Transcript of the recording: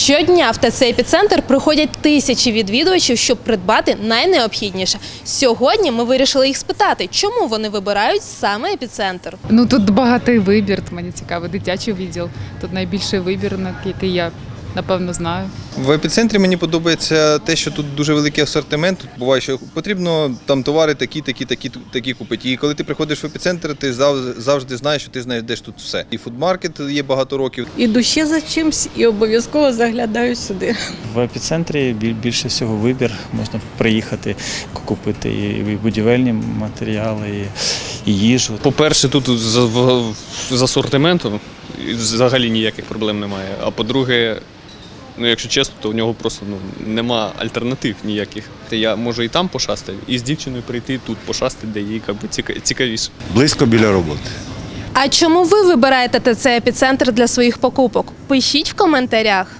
Щодня в ТЦ «Епіцентр» приходять тисячі відвідувачів, щоб придбати найнеобхідніше. Сьогодні ми вирішили їх спитати, чому вони вибирають саме «Епіцентр». Ну тут багатий вибір, мені цікаво, дитячий відділ. Тут найбільший вибір, який я, напевно, знаю. В епіцентрі мені подобається те, що тут дуже великий асортимент. Тут буває, що потрібно там товари такі купити. І коли ти приходиш в епіцентр, ти завжди знаєш, що ти знайдеш тут все. І фудмаркет є багато років. Іду ще за чимсь і обов'язково заглядаю сюди. В епіцентрі більше всього вибір. Можна приїхати, купити і будівельні матеріали, і їжу. По-перше, тут з асортиментом взагалі ніяких проблем немає. А по-друге, якщо чесно, то у нього просто нема альтернатив ніяких. Я можу і там пошастати, і з дівчиною прийти тут пошастати, де їй цікавіше. Близько біля роботи. А чому ви вибираєте ТЦ «Епіцентр» для своїх покупок? Пишіть в коментарях.